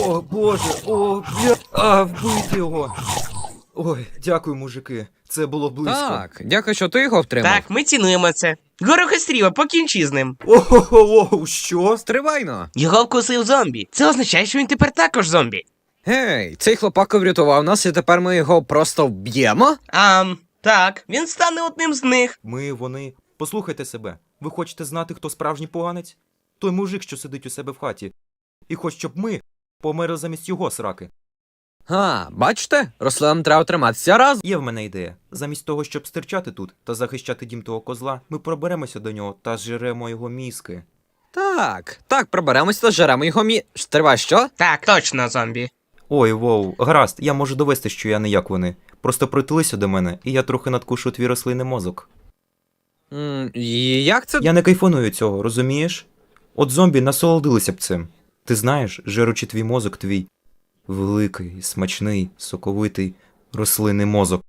О, боже, вбити його. Ой, дякую, мужики. Це було близько. Так, дякую, що ти його втримав. Так, ми цінуємо це. Горохостріва, покінчи з ним. Ого, що? Стривайно. Його вкусив зомбі. Це означає, що він тепер також зомбі. Гей, цей хлопако врятував нас, і тепер ми його просто вб'ємо? Так, він стане одним з них. Вони... Послухайте себе. Ви хочете знати, хто справжній поганець? Той мужик, що сидить у себе в хаті. І хоче, щоб ми померли замість його сраки. Бачите? Рослинам треба триматися разом. Є в мене ідея. Замість того, щоб стирчати тут та захищати дім того козла, ми проберемося до нього та зжеремо його мізки. Так, проберемося та жеремо його Стривай, що? Так, точно зомбі. Ой, воу, гаразд, я можу довести, що я не як вони. Просто притулися до мене, і я трохи надкушу твій рослинний мозок. І як це? Я не кайфоную цього, розумієш? От зомбі насолодилися б цим. Ти знаєш, жеручи твій мозок, твій великий, смачний, соковитий рослинний мозок.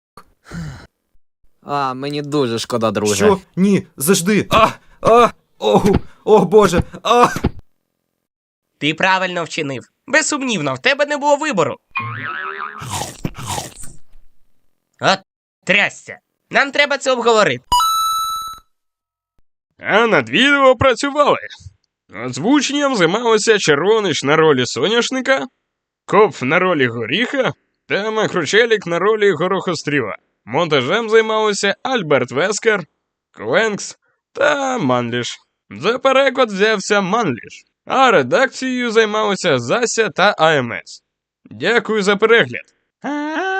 Мені дуже шкода, друже. Що? Ні, завжди! О, боже! Ти правильно вчинив. Безсумнівно, в тебе не було вибору. От, трясся. Нам треба це обговорити. А над відео працювали. Озвученням займалися Червонич на ролі соняшника, Коп на ролі горіха та Макручелік на ролі горохостріла. Монтажем займалися Альберт Вескер, Кленкс та Манліш. За переклад взявся Манліш, а редакцією займалися Зася та АМС. Дякую за перегляд.